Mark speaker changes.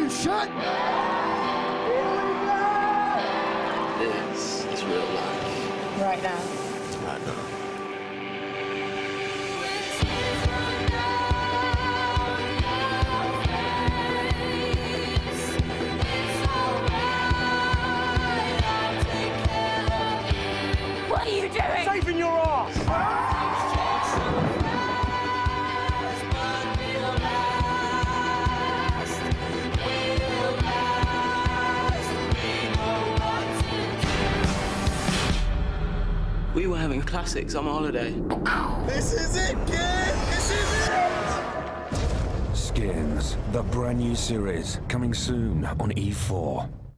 Speaker 1: you shut?
Speaker 2: This is real life.
Speaker 3: Right now.
Speaker 2: I know.
Speaker 3: What are you doing?
Speaker 1: Saving your ass!
Speaker 2: We were having a classic summer holiday.
Speaker 1: This is it, kid! This is it!
Speaker 4: Skins, the brand new series, coming soon on E4.